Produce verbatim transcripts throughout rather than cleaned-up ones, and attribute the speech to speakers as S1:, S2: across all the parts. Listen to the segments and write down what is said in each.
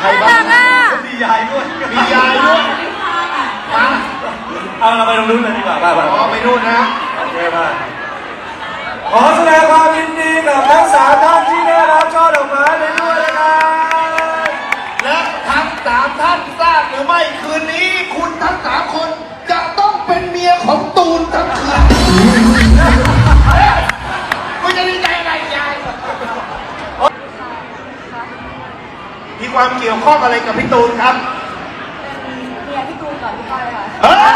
S1: ใครบ้าง
S2: มียายด้วย
S1: มียายด้วยมา
S2: เอาเราไปตรงนู้นเลยดีกว่าไป
S1: อ๋อไปนู่นนะ
S2: โอเคมาขอแสดงความยินดีกับทั้งสามท่านที่ได้รับช่อดอกไม้ไปด้วยนะครับ
S1: และทั้งสามท่านทราบหรือไม่คืนนี้คุณทั้งสามคนจะต้องเป็นเมียของตูนทั้งคืนคุณจะดีใจอะไรยายมีความเกี่ยวข้องอะไรกับพี่ตูนครับ
S3: เป็นเมียพี่ตูนก่อนพี่ก้อยค่ะ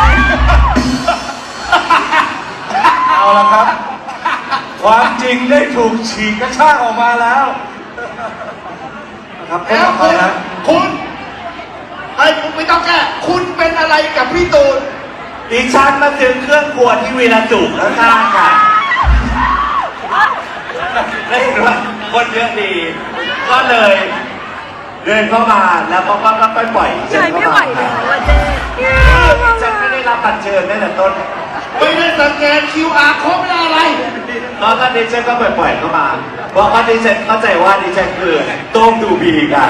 S2: เอาละครับความจริงได้ถูกฉีกกระชากออกมาแล้วครับ
S1: แล้วคุณคุณไอ้คุณไม่ต้องแก้คุณเป็นอะไรกับพี่ตูน
S2: ดิฉันมาถึงเครื่องครัวที่วีระจุกแล้วข้างค่ะได้เห็นว่าคนเยอะดี ก็เลยเดินเข้ามาแล้วก็ก็ก็ปล่อย
S3: ใจไม่ไหวเลยว่าเจ๊
S2: ฉันไม่ได้รับบัตรเชิญตั้งแต่ต้น
S1: ไม่ได้สแกน คิว อาร์ โค้ดไม่ได้อะไร
S2: ตอนนั้นดิฉันก็ปล่อยๆเข้ามาเพราะว่าดิฉันเข้าใจว่าดิฉันคือโต้งดูบีกัน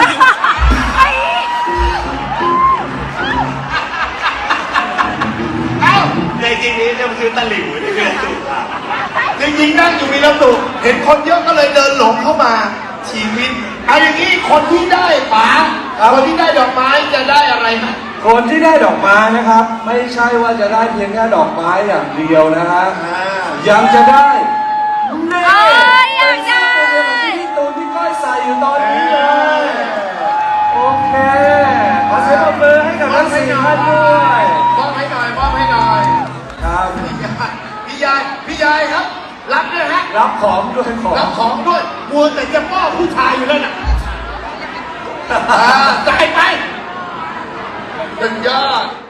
S1: เอ้า
S2: ในจริงนี้จะมาซื้อตะหลิวที่วีระจุกอ่ะ
S1: จริงๆนั่งอยู่วีระจุกเห็นคนเยอะก็เลยเดินหลงเข้ามาชีวิตเอาอย่างนี้คนที่ได้ป๋าคนที่ได้ดอกไม้จะได้อะไรไหม
S2: คนที่ได้ดอกไม้นะครับไม่ใช่ว่าจะได้เพียงแค่ดอกไม้อย่างเดียวนะฮะยังจะได้นี่
S3: ยังได้
S2: ที่ตูนที่ก้อยใส่อยู่ตอนนี้เลยโอเคขอเสียงปรบมือให้กับทั้งสี่ท่านด้วย
S1: มอบให้หน่อยมอบให้หน่อย
S2: ครับ
S1: พี่ยายพี่ยายครับรับด้วยฮะ
S2: รับของด้วยของ
S1: รับของด้วยมัวแต่จะป้อผู้ชายอยู่แล้วน่ะจ่ายไปสุดยอด